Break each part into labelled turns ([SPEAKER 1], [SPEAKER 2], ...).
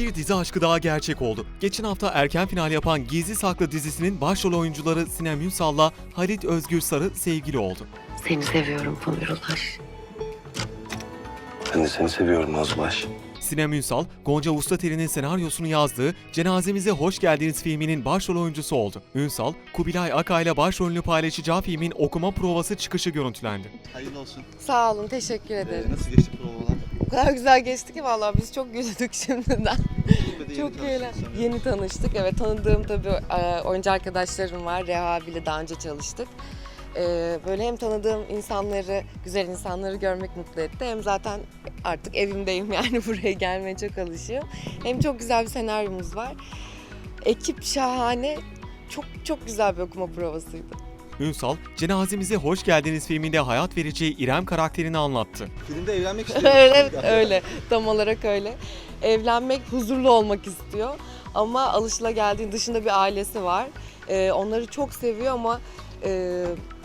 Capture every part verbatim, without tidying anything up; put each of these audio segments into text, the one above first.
[SPEAKER 1] Bir dizi aşkı daha gerçek oldu. Geçen hafta erken final yapan Gizli Saklı dizisinin başrol oyuncuları Sinem Ünsal'la Halit Özgürsarı sevgili oldu.
[SPEAKER 2] Seni seviyorum Pamir Ulaş.
[SPEAKER 3] Ben de seni seviyorum Nazbaş.
[SPEAKER 1] Sinem Ünsal, Gonca Ustateri'nin senaryosunu yazdığı Cenazemize Hoş Geldiniz filminin başrol oyuncusu oldu. Ünsal, Kubilay Aka ile başrolünü paylaşacağı filmin okuma provası çıkışı görüntülendi.
[SPEAKER 4] Hayırlı olsun.
[SPEAKER 5] Sağ olun, teşekkür ederim.
[SPEAKER 4] Ee, nasıl geçti provalar?
[SPEAKER 5] O kadar güzel geçti ki vallahi biz çok güldük şimdiden.
[SPEAKER 4] Yeni
[SPEAKER 5] Çok
[SPEAKER 4] tanıştınız
[SPEAKER 5] eğlen.
[SPEAKER 4] sanırım.
[SPEAKER 5] Yeni tanıştık. Evet, tanıdığım tabii e, oyuncu arkadaşlarım var. Reha abiyle daha önce çalıştık. E, Böyle hem tanıdığım insanları, güzel insanları görmek mutlu etti. Hem zaten artık evimdeyim yani buraya gelmeye çok alışıyorum. Hem çok güzel bir senaryomuz var. Ekip şahane. Çok çok güzel bir okuma provasıydı.
[SPEAKER 1] Ünsal, Cenazemize Hoş Geldiniz filminde hayat vereceği İrem karakterini anlattı.
[SPEAKER 4] Filmde evlenmek istiyorum.
[SPEAKER 5] Evet, öyle. Tam olarak öyle. Evlenmek, huzurlu olmak istiyor. Ama alışılageldiğin dışında bir ailesi var. Ee, onları çok seviyor ama e,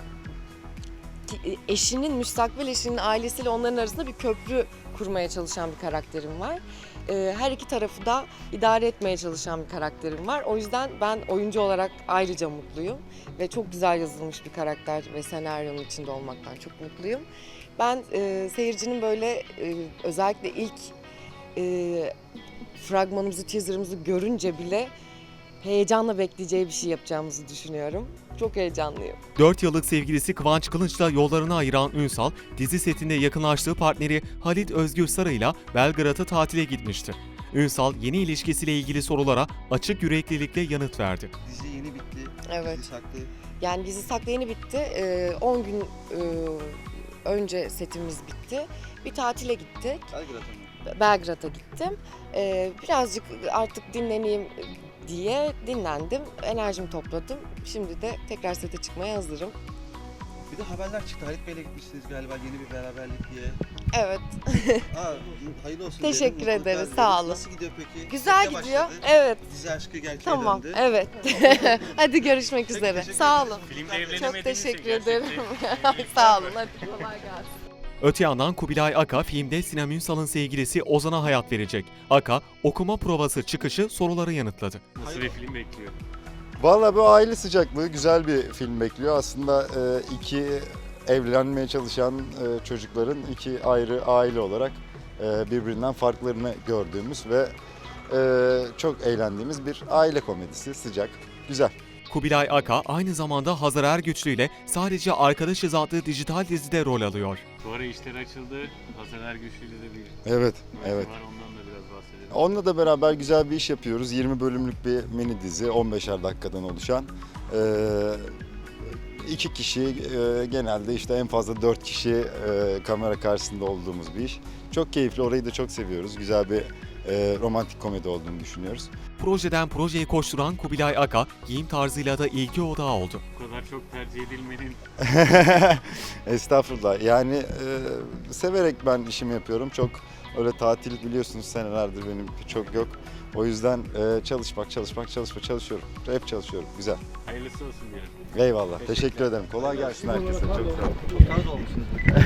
[SPEAKER 5] ki- eşinin, müstakbel eşinin ailesiyle onların arasında bir köprü kurmaya çalışan bir karakterim var. Ee, her iki tarafı da idare etmeye çalışan bir karakterim var. O yüzden ben oyuncu olarak ayrıca mutluyum. Ve çok güzel yazılmış bir karakter ve senaryonun içinde olmaktan çok mutluyum. Ben e, seyircinin böyle e, özellikle ilk e, fragmanımızı, teaserımızı görünce bile heyecanla bekleyeceği bir şey yapacağımızı düşünüyorum. Çok heyecanlıyım.
[SPEAKER 1] dört yıllık sevgilisi Kıvanç Kılıç'la yollarını ayıran Ünsal, dizi setinde yakınlaştığı partneri Halit Özgürsarı ile Belgrad'a tatile gitmişti. Ünsal, yeni ilişkisiyle ilgili sorulara açık yüreklilikle yanıt verdi.
[SPEAKER 4] Dizi yeni bitti.
[SPEAKER 5] Evet.
[SPEAKER 4] Dizi saklı.
[SPEAKER 5] Yani dizi saklı yeni bitti. Ee, on gün e, önce setimiz bitti. Bir tatile gittik.
[SPEAKER 4] Belgrad'a mı?
[SPEAKER 5] Belgrad'a gittim. Ee, birazcık artık dinleneyim diye dinlendim. Enerjimi topladım. Şimdi de tekrar sete çıkmaya hazırım.
[SPEAKER 4] Bir de haberler çıktı. Halit Bey'le gitmişsiniz galiba yeni bir beraberlik diye.
[SPEAKER 5] Evet.
[SPEAKER 4] Aa, hayırlı olsun.
[SPEAKER 5] Teşekkür
[SPEAKER 4] diyelim, mutluluklar
[SPEAKER 5] ederiz,
[SPEAKER 4] dileriz.
[SPEAKER 5] sağ olun.
[SPEAKER 4] Nasıl gidiyor peki?
[SPEAKER 5] Güzel
[SPEAKER 4] Sette
[SPEAKER 5] gidiyor.
[SPEAKER 4] başladı.
[SPEAKER 5] Evet.
[SPEAKER 4] Dizi aşkı gerçeğe
[SPEAKER 5] Tamam.
[SPEAKER 4] döndü.
[SPEAKER 5] Evet. Hadi görüşmek
[SPEAKER 4] Peki,
[SPEAKER 5] üzere.
[SPEAKER 4] teşekkür
[SPEAKER 5] Sağ
[SPEAKER 4] ederiz.
[SPEAKER 5] olun.
[SPEAKER 4] Mutluluklar dileriz.
[SPEAKER 5] Çok teşekkür ederim. Sağ olun. Hadi kolay gelsin.
[SPEAKER 1] Öte yandan Kubilay Aka filmde Sinem Ünsal'ın sevgilisi Ozan'a hayat verecek. Aka, okuma provası çıkışı soruları yanıtladı.
[SPEAKER 6] Nasıl bir film bekliyor?
[SPEAKER 7] Vallahi bu aile sıcaklığı güzel bir film bekliyor. Aslında e, iki evlenmeye çalışan e, çocukların iki ayrı aile olarak e, birbirinden farklarını gördüğümüz ve e, çok eğlendiğimiz bir aile komedisi. Sıcak, güzel.
[SPEAKER 1] Kubilay Aka aynı zamanda Hazar Ergüçlü ile Sadece Arkadaşız adlı dijital dizide rol alıyor.
[SPEAKER 6] Bu ara işler açıldı. Hasan Ergüçlü'yle de bir
[SPEAKER 7] Evet,
[SPEAKER 6] proje
[SPEAKER 7] evet.
[SPEAKER 6] var. Ondan da biraz bahsedelim.
[SPEAKER 7] Onunla da beraber güzel bir iş yapıyoruz. yirmi bölümlük bir mini dizi, on beşer dakikadan oluşan. E, iki kişi, e, genelde işte en fazla dört kişi e, kamera karşısında olduğumuz bir iş. Çok keyifli, orayı da çok seviyoruz. Güzel bir e, romantik komedi olduğunu düşünüyoruz.
[SPEAKER 1] Projeden projeye koşturan Kubilay Aka, giyim tarzıyla da ilgi odağı oldu.
[SPEAKER 6] Bu kadar çok tercih edilmenin
[SPEAKER 7] Estağfurullah. Yani e, severek ben işimi yapıyorum. Çok öyle tatil biliyorsunuz senelerdir benim çok yok. O yüzden e, çalışmak, çalışmak, çalışmak, çalışıyorum. Hep çalışıyorum. Güzel.
[SPEAKER 6] hayırlısı olsun diyelim.
[SPEAKER 7] Eyvallah. Teşekkür ederim. Kolay gelsin herkese. Çok sağ olun.
[SPEAKER 4] Kaz olmuşsunuz.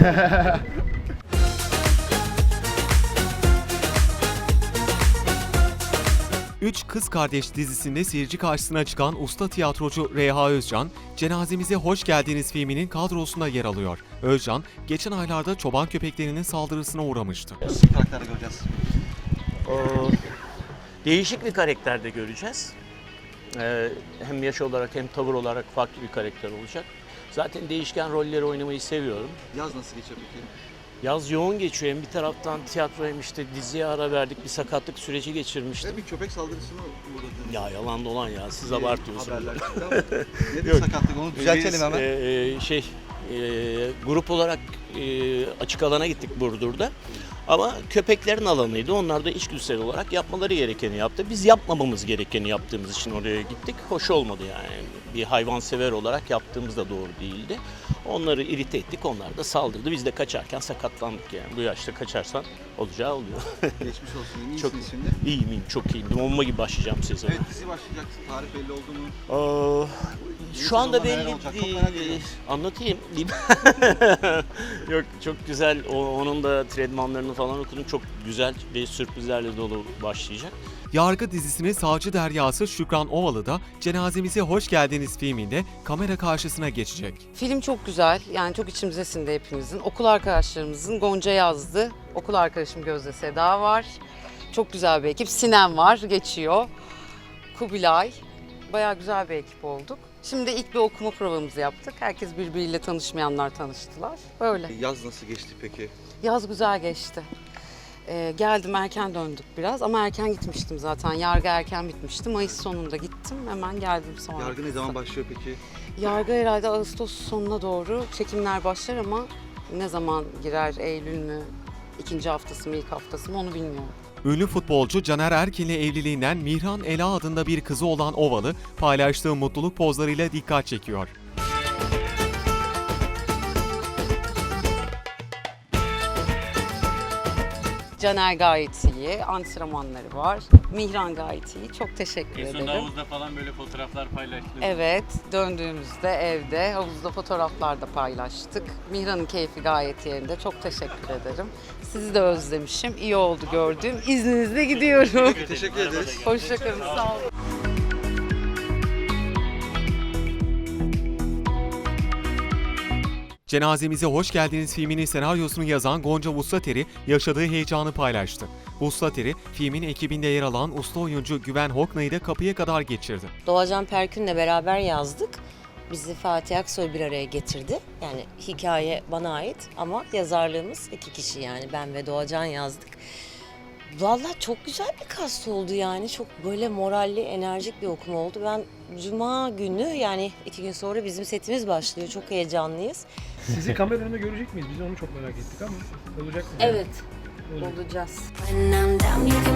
[SPEAKER 1] Üç Kız Kardeş dizisinde seyirci karşısına çıkan usta tiyatrocu Reha Özcan, Cenazemize Hoş Geldiniz filminin kadrosunda yer alıyor. Özcan, geçen aylarda çoban köpeklerinin saldırısına uğramıştı.
[SPEAKER 4] Nasıl bir karakter göreceğiz?
[SPEAKER 8] O, değişik bir karakterde göreceğiz. Ee, hem yaş olarak hem tavır olarak farklı bir karakter olacak. Zaten değişken rolleri oynamayı seviyorum.
[SPEAKER 4] Yaz nasıl geçiyor peki?
[SPEAKER 8] Yaz yoğun geçiyor. Hem bir taraftan tiyatro hem işte diziye ara verdik. Bir sakatlık süreci geçirmiştim.
[SPEAKER 4] Ve bir köpek saldırısına uğradınız.
[SPEAKER 8] Ya yalan dolan ya. Siz
[SPEAKER 4] Ee,
[SPEAKER 8] abartıyorsunuz.
[SPEAKER 4] Haberler çıktı ama nedir
[SPEAKER 8] Yok.
[SPEAKER 4] sakatlık onu düzeltelim
[SPEAKER 8] Biz,
[SPEAKER 4] hemen.
[SPEAKER 8] e, şey e, grup olarak e, açık alana gittik Burdur'da. Ama köpeklerin alanıydı. Onlar da içgüdüsel olarak yapmaları gerekeni yaptı. Biz yapmamamız gerekeni yaptığımız için oraya gittik. Hoş olmadı yani. Bir hayvansever olarak yaptığımız da doğru değildi. Onları irite ettik. Onlar da saldırdı. Biz de kaçarken sakatlandık yani. Bu yaşta kaçarsan olacağı oluyor.
[SPEAKER 4] Geçmiş olsun. İyi
[SPEAKER 8] Çok-
[SPEAKER 4] misiniz şimdi?
[SPEAKER 8] İyiyim iyiyim. Çok iyiyim. Bomba gibi başlayacağım sezona.
[SPEAKER 4] Evet dizi başlayacak. Tarih belli oldu mu?
[SPEAKER 8] Aa,
[SPEAKER 4] Yeni
[SPEAKER 8] şu anda
[SPEAKER 4] sezonda neler
[SPEAKER 8] belli
[SPEAKER 4] olacak? Çok
[SPEAKER 8] değil.
[SPEAKER 4] merak ediyorum.
[SPEAKER 8] Anlatayım. Yok çok güzel. O, onun da tredmanlarını falan okudum. Çok güzel ve sürprizlerle dolu başlayacak.
[SPEAKER 1] Yargı dizisinin savcı deryası Şükran Ovalı da Cenazemize Hoş Geldiniz filminde kamera karşısına geçecek.
[SPEAKER 9] Film çok güzel. Yani çok içimize sindi hepimizin. Okul arkadaşlarımızın Gonca yazdı. Okul arkadaşım Gözde Seda var. Çok güzel bir ekip. Sinem var, geçiyor. Kubilay. Bayağı güzel bir ekip olduk. Şimdi ilk bir okuma provamızı yaptık. Herkes birbiriyle tanışmayanlar tanıştılar. Böyle.
[SPEAKER 4] Yaz nasıl geçti peki?
[SPEAKER 9] Yaz güzel geçti. Ee, geldim erken döndük biraz ama erken gitmiştim zaten. Yargı erken bitmişti. Mayıs sonunda gittim. Hemen geldim sonra.
[SPEAKER 4] Yargı ne zaman başlıyor peki?
[SPEAKER 9] Yargı herhalde Ağustos sonuna doğru çekimler başlar ama ne zaman girer, Eylül mü, ikinci haftası mı, ilk haftası mı onu bilmiyorum.
[SPEAKER 1] Ünlü futbolcu Caner Erkin'le evliliğinden Mihran Ela adında bir kızı olan Ovalı paylaştığı mutluluk pozlarıyla dikkat çekiyor.
[SPEAKER 9] Caner gayet iyi, antrenmanları var. Mihran gayet iyi, çok teşekkür
[SPEAKER 6] En son
[SPEAKER 9] ederim.
[SPEAKER 6] havuzda falan böyle fotoğraflar paylaştınız.
[SPEAKER 9] Evet, döndüğümüzde evde, havuzda fotoğraflar da paylaştık. Mihran'ın keyfi gayet yerinde, çok teşekkür ederim. Sizi de özlemişim, iyi oldu gördüğüm. İzninizle gidiyorum.
[SPEAKER 4] Teşekkür ederiz.
[SPEAKER 9] Hoşçakalın, sağ olun.
[SPEAKER 1] Cenazemize Hoş Geldiniz filminin senaryosunu yazan Gonca Vuslateri yaşadığı heyecanı paylaştı. Vuslateri, filmin ekibinde yer alan usta oyuncu Güven Hokna'yı da kapıya kadar geçirdi.
[SPEAKER 2] Doğacan Perkün'le beraber yazdık. Bizi Fatih Aksoy bir araya getirdi. Yani hikaye bana ait ama yazarlığımız iki kişi, yani ben ve Doğacan yazdık. Vallahi çok güzel bir kast oldu yani. Çok böyle moralli, enerjik bir okuma oldu. Ben Cuma günü, yani iki gün sonra bizim setimiz başlıyor. Çok heyecanlıyız.
[SPEAKER 10] Sizi kamera önünde görecek miyiz? Biz onu çok merak ettik ama olacak mı?
[SPEAKER 2] Evet,
[SPEAKER 10] Olacak.
[SPEAKER 2] olacağız.
[SPEAKER 11] When I'm down, you can